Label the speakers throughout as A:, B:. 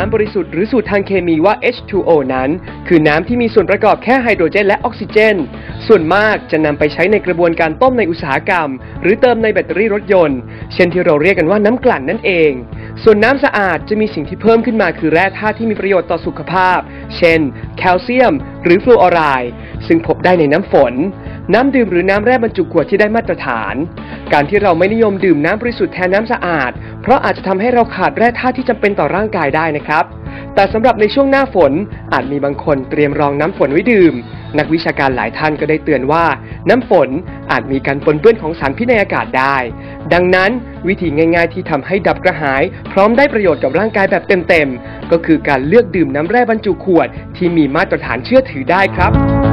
A: ำบริสุทธิ์หรือสูตรทางเคมีว่า H2O นั้นคือน้ำที่มีส่วนประกอบแค่ไฮโดรเจนและออกซิเจนส่วนมากจะนำไปใช้ในกระบวนการต้มในอุตสาหกรรมหรือเติมในแบตเตอรี่รถยนต์เช่นที่เราเรียกกันว่าน้ำกลั่นนั่นเองส่วนน้ำสะอาดจะมีสิ่งที่เพิ่มขึ้นมาคือแร่ธาตุที่มีประโยชน์ต่อสุขภาพเช่นแคลเซียมหรือฟลูออไรด์ซึ่งพบได้ในน้ำฝนน้ำดื่มหรือน้ำแร่บรรจุขวดที่ได้มาตรฐานการที่เราไม่นิยมดื่มน้ำบริสุทธิ์แทนน้ำสะอาดเพราะอาจจะทำให้เราขาดแร่ธาตุที่จำเป็นต่อร่างกายได้นะครับแต่สำหรับในช่วงหน้าฝนอาจมีบางคนเตรียมรองน้ำฝนไว้ดื่มนักวิชาการหลายท่านก็ได้เตือนว่าน้ำฝนอาจมีการปนเปื้อนของสารพิษในอากาศได้ดังนั้นวิธีง่ายๆที่ทำให้ดับกระหายพร้อมได้ประโยชน์กับร่างกายแบบเต็มๆก็คือการเลือกดื่มน้ำแร่บรรจุขวดที่มีมาตรฐานเชื่อถือได้ครับ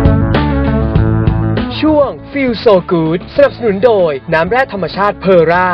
A: ช่วง Feel So Good สนับสนุนโดยน้ำแร่ธรรมชาติเพอร่า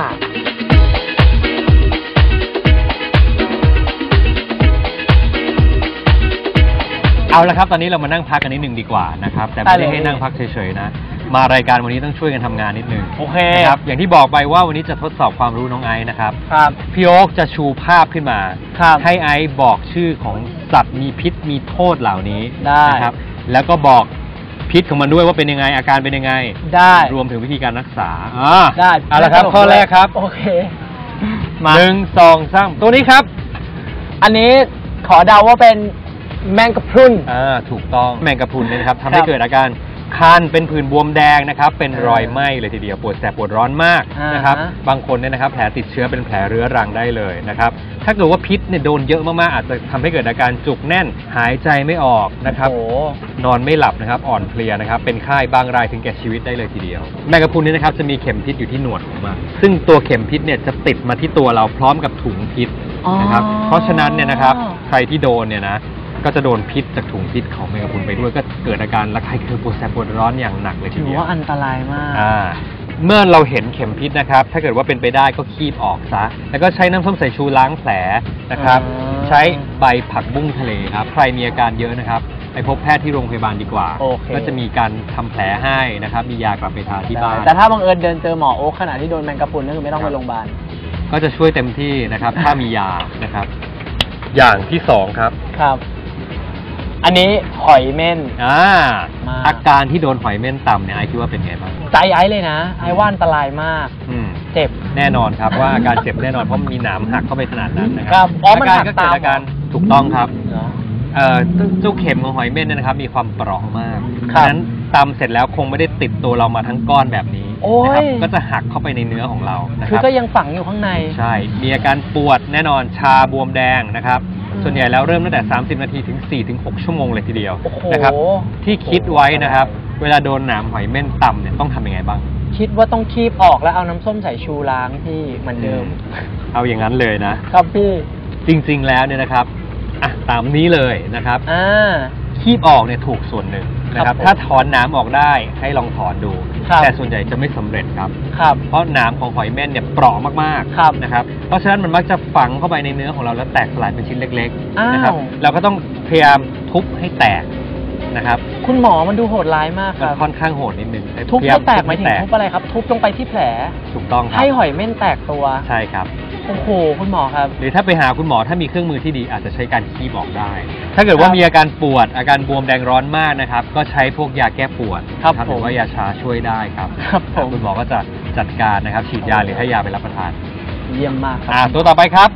B: เอาละครับตอนนี้เรามานั่งพักกันนิดนึงดีกว่านะครับแต่ไม่ได้ให้นั่งพักเฉยๆนะมารายการวันนี้ต้องช่วยกันทำงานนิดนึงโอเคครับอย่างที่บอกไปว่าวันนี้จะทดสอบความรู้น้องไอซ์นะครับพี่โอ๊คจะชูภาพขึ้นมาให้ไอซ์บอกชื่อของสัตว์มีพิษมีโทษเหล่านี้นะครับแล้วก็บอกพิษของมันด้วยว่าเป็นยังไงอาการเป็นยังไงได้รวมถึงวิธีการรักษาได้เอาละครับข้อแรกครับโอเคมา1 2 3ตัวนี้ครับอันนี้ขอเดาว่าเป็นแมงกะพรุนถูกต้องแมงกะพรุนเนี่ยนะครับทำให้เกิดอาการคันเป็นผื่นบวมแดงนะครับเป็นรอยไหม้เลยทีเดียวปวดแสบปวดร้อนมากนะครับบางคนเนี่ยนะครับแผลติดเชื้อเป็นแผลเรื้อรังได้เลยนะครับถ้าเกิดว่าพิษเนี่ยโดนเยอะมากๆอาจจะทำให้เกิดอาการจุกแน่นหายใจไม่ออกนะครับนอนไม่หลับนะครับอ่อนเพลียนะครับเป็นไข้บางรายถึงแก่ชีวิตได้เลยทีเดียวแมงกะพรุนเนี่ยนะครับจะมีเข็มพิษอยู่ที่หนวดของมันซึ่งตัวเข็มพิษเนี่ยจะติดมาที่ตัวเราพร้อมกับถุงพิษนะครับเพราะฉะนั้นเนี่ยนะครับใครที่โดนเนี่ยนะก็จะโดนพิษจากถุงพิษของแมงกะพรุนไปด้วยก็เกิดอาการระคายเคืองปวดแสบปวดร้อนอย่างหนักเลยทีเดียวถือว่าอันตรายมากเมื่อเราเห็นเข็มพิษนะครับถ้าเกิดว่าเป็นไปได้ก็คีบออกซะแล้วก็ใช้น้ำส้มสายชูล้างแผลนะครับใช้ใบผักบุ้งทะเลครับใครมีอาการเยอะนะครับไปพบแพทย์ที่โรงพยาบาลดีกว่าก็จะมีการทำแผลให้นะครับมียากลับไปทาที่บ้านแต่ถ้าบังเอิญเดินเจอหมอโอ๊คขณะที่โดนแมงกะพรุนก็คือไม่ต้องไปโรงพยาบาลก็จะช่วยเต็มที่นะครับถ้ามียานะครับอย่างที่2ครับอันนี้หอยเม่นอาการที่โดนหอยเม่นต่ำเนี่ยไอคิดว่าเป็นไงบ้างใจไอเลยนะไอว่าอันตรายมากเจ็บแน่นอนครับว่าอาการเจ็บแน่นอนเพราะมีหนามหักเข้าไปขนาดนั้นนะครับอาการก็เกิดอาการถูกต้องครับเจ้าเข็มของหอยเม่นเนี่ยนะครับมีความเปราะมากฉะนั้นตำเสร็จแล้วคงไม่ได้ติดตัวเรามาทั้งก้อนแบบนี้นะครับก็จะหักเข้าไปในเนื้อของเราคือก็ยังฝังอยู่ข้างในใช่มีอาการปวดแน่นอนชาบวมแดงนะครับส่วนใหญ่แล้วเริ่มตั้งแต่30 นาทีถึง 4-6 ชั่วโมงเลยทีเดียวนะครับที่คิดไว้นะครับเวลาโดนหนามหอยเม่นต่ำเนี่ยต้องทำยังไงบ้างคิดว่าต้องคีบออกแล้วเอาน้ำส้มสายชูล้างที่เหมือนเดิมเอาอย่างนั้นเลยนะครับพี่จริงๆแล้วเนี่ยนะครับตามนี้เลยนะครับคีบออกเนี่ยถูกส่วนหนึ่งนะครับถ้าถอนน้ำออกได้ให้ลองถอนดูแต่ส่วนใหญ่จะไม่สำเร็จครับเพราะน้ำของหอยเม่นเนี่ยเปราะมากๆนะครับเพราะฉะนั้นมันมักจะฝังเข้าไปในเนื้อของเราแล้วแตกสลายเป็นชิ้นเล็กๆนะครับเราก็ต้องพยายามทุบให้แตกนะครับคุณหมอมันดูโหดร้ายมากครับค่อนข้างโหดนิดนึงทุบให้แตกหมายถึงทุบอะไรครับทุบลงไปที่แผลถูกต้องครับให้หอยเม่นแตกตัวใช่ครับโอ้โหคุณหมอครับหรือถ้าไปหาคุณหมอถ้ามีเครื่องมือที่ดีอาจจะใช้การคีบออกได้ถ้าเกิดว่ามีอาการปวดอาการบวมแดงร้อนมากนะครับก็ใช้พวกยาแก้ปวดหรือว่ายาชาช่วยได้ครับคุณหมอก็จะจัดการนะครับฉีดยาหรือให้ยาไปรับประทานเยี่ยมมากครับตัวต่อไปครับ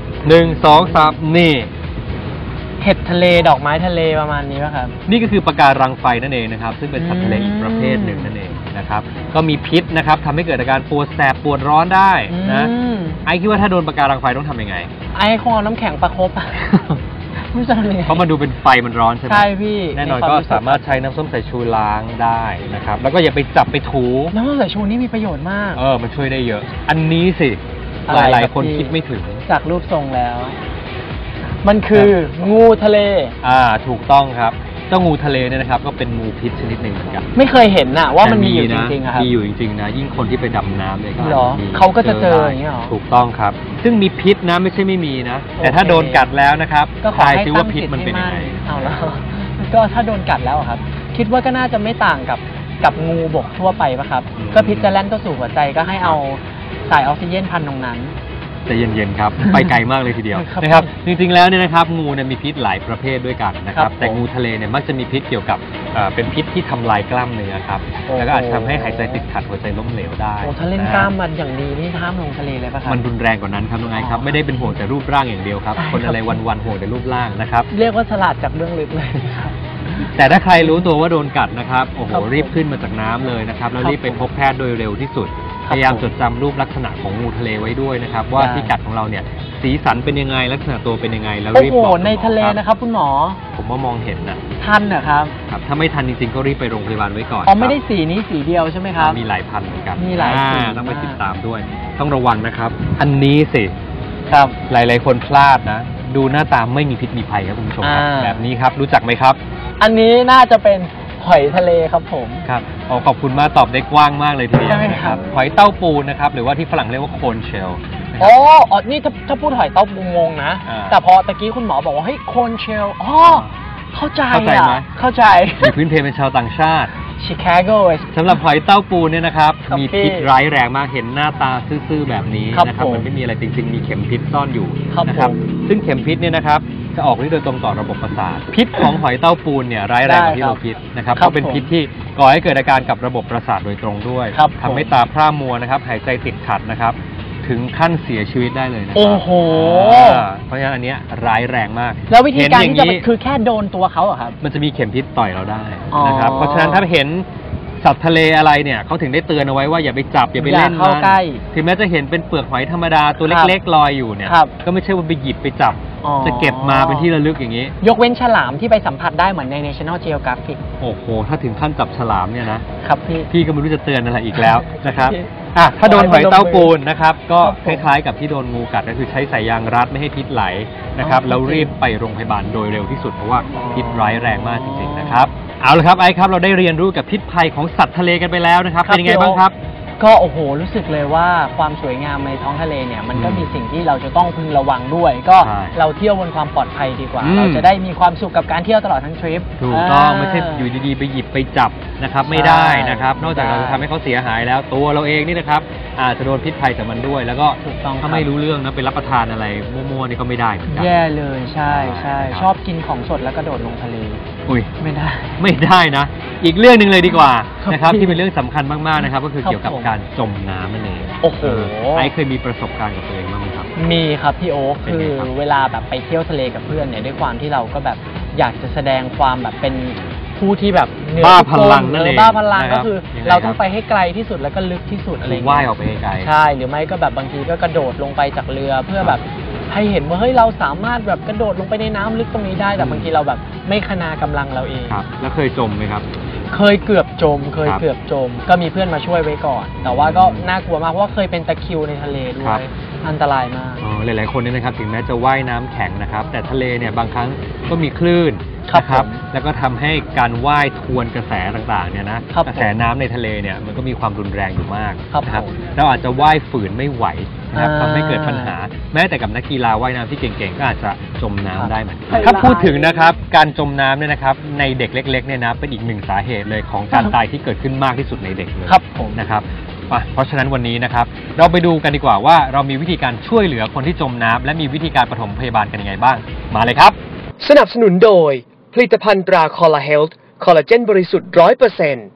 B: 1 2 3นี่เห็ดทะเลดอกไม้ทะเลประมาณนี้ป่ะครับนี่ก็คือปะการังไฟนั่นเองนะครับซึ่งเป็นสัตว์ทะเลอีกประเภทหนึ่งนั่นเองนะครับก็มีพิษนะครับทำให้เกิดอาการปวดแสบปวดร้อนได้นะไอคิดว่าถ้าโดนปะการังไฟต้องทำยังไงไอคงเอาน้ำแข็งประคบไม่ใช่เลยเพราะมันดูเป็นไฟมันร้อนใช่ไหมใช่พี่แน่นอนก็สามารถใช้น้ำส้มสายชูล้างได้นะครับแล้วก็อย่าไปจับไปถูน้ำส้มสายชูนี่มีประโยชน์มากมันช่วยได้เยอะอันนี้สิหลายคนคิดไม่ถึงจากรูปทรงแล้วมันคืองูทะเลถูกต้องครับเจ้างูทะเลเนี่ยนะครับก็เป็นงูพิษชนิดหนึ่งเหมือนกันไม่เคยเห็นน่ะว่ามันมีอยู่จริงๆครับมีอยู่จริงๆนะยิ่งคนที่ไปดำน้ำเลยก็เขาก็จะเจออย่างนี้หรอถูกต้องครับซึ่งมีพิษนะไม่ใช่ไม่มีนะแต่ถ้าโดนกัดแล้วนะครับก็ทายซิว่าพิษมันเป็นยังไงเอาแล้วก็ถ้าโดนกัดแล้วครับคิดว่าก็น่าจะไม่ต่างกับงูบกทั่วไปป่ะครับก็พิษจะแล่นเข้าสู่หัวใจก็ให้เอาสายออกซิเจนพันตรงนั้นใจเย็นๆครับ ไปไกลมากเลยทีเดียวนะครับจริงๆแล้วเนี่ยนะครับงูเนี่ยมีพิษหลายประเภทด้วยกันนะครับแต่งูทะเลเนี่ยมักจะมีพิษเกี่ยวกับเป็นพิษที่ทำลายกล้ามเนื้อครับแล้วก็อาจทำให้หายใจติดขัดหัวใจล้มเหลวได้
C: ถ้าเล่นกล้ามมันอย่างดีนี่ห้ามลงทะเลเลยป่ะครับ
B: มันรุนแรงกว่านั้นครับน้องไอครับไม่ได้เป็นห่วงแต่รูปร่างอย่างเดียวครับคนอะไรวันๆห่วงแต่รูปร่างนะครับ
C: เรียกว่าฉลาดจากเรื่องลึกเลยครับ
B: แต่ถ้าใครรู้ตัวว่าโดนกัดนะครับโอ้โหรีบขึ้นมาจากน้ำเลยนะครับแล้วรีบไปพบแพทย์โดยเร็วที่สุดพยายามจดจำรูปลักษณะของงูทะเลไว้ด้วยนะครับว่าที่กัดของเราเนี่ยสีสันเป็นยังไงลักษณะตัวเป็นยังไงแล้วรีบบอก
C: ในทะเลนะครับคุณหมอ
B: ผมว่ามองเห็นนะ
C: ทันเหรอครับ
B: ครับถ้าไม่ทันจริงๆก็รีบไปโรงพยาบาลไว้ก่อน
C: ไม่ได้สีนี้สีเดียวใช่ไหมครับ
B: มีหลายพันเหมือนกัน
C: มีหลายสี
B: ต้องไปติดตามด้วยต้องระวังนะครับอันนี้สิ
C: ครับ
B: หลายๆคนพลาดนะดูหน้าตาไม่มีพิษมีภัยครับคุณผู้ชมครับแบบนี้ครับรู้จักไหมครับ
C: อันนี้น่าจะเป็นหอยทะเลครับผม
B: ครับขอบคุณมากตอบได้กว้างมากเลยทีเดียวนะครับหอยเต้าปูนะครับหรือว่าที่ฝรั่งเรียกว่าโคนเชล
C: นี่ถ้าพูดหอยเต้าปูงงนะแต่พอตะกี้คุณหมอบอกว่าเฮ้ยโคนเชลเข้าใจไหมเข้าใจ
B: มีพื้นเพเป็นชาวต่างชาติ
C: ชิคาโก
B: สำหรับหอยเต้าปูเนี่ยนะครับมีพิษร้ายแรงมากเห็นหน้าตาซื่อๆแบบนี้นะครับมันไม่มีอะไรจริงๆมีเข็มพิษซ่อนอยู่นะครับซึ่งเข็มพิษเนี่ยนะครับจะออกฤทธิ์โดยตรงต่อระบบประสาทพิษของหอยเต้าปูเนี่ยร้ายแรงกว่าที่เราคิดนะครับเพราะเป็นพิษที่ก่อให้เกิดอาการกับระบบประสาทโดยตรงด้วยทำให้ตาพร่ามัวนะครับหายใจติดขัดนะครับถึงขั้นเสียชีวิตได้เลยนะครับ
C: โอ้โห
B: เพราะฉะนั้นอันนี้ร้ายแรงมาก
C: แล้ววิธีการที่จะคือแค่โดนตัวเขาอะครับ
B: มันจะมีเข็มพิษต่อยเราได้นะครับเพราะฉะนั้นถ้าเห็นสัตว์ทะเลอะไรเนี่ยเขาถึงได้เตือนเอาไว้ว่าอย่าไปจับอย่าไปเล่นมันถึงแม้จะเห็นเป็นเปลือกหอยธรรมดาตัวเล็กๆลอยอยู่เนี่ยก็ไม่ใช่ว่าไปหยิบไปจับจะเก็บมาเป็นที่ระลึกอย่างนี้
C: ยกเว้นฉลามที่ไปสัมผัสได้เหมือนใน National Geographic
B: โอ้โหถ้าถึงขั้นจับฉลามเนี่ย
C: นะครับ
B: พี่ก็ไม่รู้จะเตือนอะไรอีกแล้วนะครับถ้าโดนหอยเต้าปูนนะครับก็คล้ายๆกับที่โดนงูกัดก็คือใช้สายยางรัดไม่ให้พิษไหลนะครับแล้วรีบไปโรงพยาบาลโดยเร็วที่สุดเพราะว่าพิษร้ายแรงมากจริงๆนะครับเอาละครับไอ้ครับเราได้เรียนรู้กับพิษภัยของสัตว์ทะเลกันไปแล้วนะครับเป็นยังไงบ้างครับ
C: ก็โอ้โหรู้สึกเลยว่าความสวยงามในท้องทะเลเนี่ยมันก็มีสิ่งที่เราจะต้องพึงระวังด้วยก็เราเที่ยวบนความปลอดภัยดีกว่าเราจะได้มีความสุขกับการเที่ยวตลอดทั้งทริป
B: ถูกต้องไม่ใช่อยู่ดีๆไปหยิบไปจับนะครับไม่ได้นะครับนอกจากเราจะทำให้เขาเสียหายแล้วตัวเราเองนี่นะครับอาจจะโดนพิษภัยจากมันด้วยแล้วก็ถ้าไม่รู้เรื่องนะไปรับประทานอะไรมั่วๆนี่ก็ไม่ได้เหมือนกัน
C: แย่เลยใช่ใช่ชอบกินของสดแล้วก็โดดลงทะเล
B: อุ้ย
C: ไม่
B: ได้นะอีกเรื่องนึงเลยดีกว่านะครับที่เป็นเรื่องสำคัญมากๆนะครับก็คือเกี่ยวกับการจมน้ำนั่นเอง
C: โอ้โห
B: ไอ้เคยมีประสบการณ์กับตัวเองบ้างไหมครับ
C: มีครับพี่โอ๊คคือเวลาแบบไปเที่ยวทะเลกับเพื่อนเนี่ยด้วยความที่เราก็แบบอยากจะแสดงความแบบเป็นผู้ที่แบบ
B: บ้าพลังนั่นเอง
C: บ้าพลังก็คือเราต้องไปให้ไกลที่สุดแล้วก็ลึกที่สุดอะไรอย่างเงี้ย
B: ว่ายออกไปไกล
C: ใช่หรือไม่ก็แบบบางทีก็กระโดดลงไปจากเรือเพื่อแบบให้เห็นว่าเฮ้ยเราสามารถแบบกระโดดลงไปในน้ำลึกตรงนี้ได้แต่บางทีเราแบบไม่คณากำลังเราเอง
B: ครับแล้วเคยจมไหมครับ
C: เคยเกือบจมก็มีเพื่อนมาช่วยไว้ก่อนแต่ว่าก็น่ากลัวมากเพราะว่าเคยเป็นตะคริวในทะเลด้วยอันตรายมาก
B: หลายๆคนเนี่ยนะครับถึงแม้จะว่ายน้ำแข็งนะครับแต่ทะเลเนี่ยบางครั้งก็มีคลื่นนะครับแล้วก็ทำให้การว่ายทวนกระแสต่างๆเนี่ยนะกระแสน้ำในทะเลเนี่ยมันก็มีความรุนแรงอยู่มากนะครับเราอาจจะว่ายฝืนไม่ไหวนะครับทำให้เกิดปัญหาแม้แต่กับนักกีฬาว่ายน้ำที่เก่งๆก็อาจจะจมน้ำได้เหมือนกันถ้าพูดถึงนะครับการจมน้ำเนี่ยนะครับในเด็กเล็กๆเนี่ยนะเป็นอีกหนึ่งสาเหตุเลยของการตายที่เกิดขึ้นมากที่สุดในเด็กเลยนะครับเพราะฉะนั้นวันนี้นะครับเราไปดูกันดีกว่าว่าเรามีวิธีการช่วยเหลือคนที่จมน้ำและมีวิธีการปฐมพยาบาลกันยังไงบ้างมาเลยครับ
A: สนับสนุนโดยผลิตภัณฑ์ตราคอลลาเฮลท์คอลลาเจนบริสุทธิ์ 100%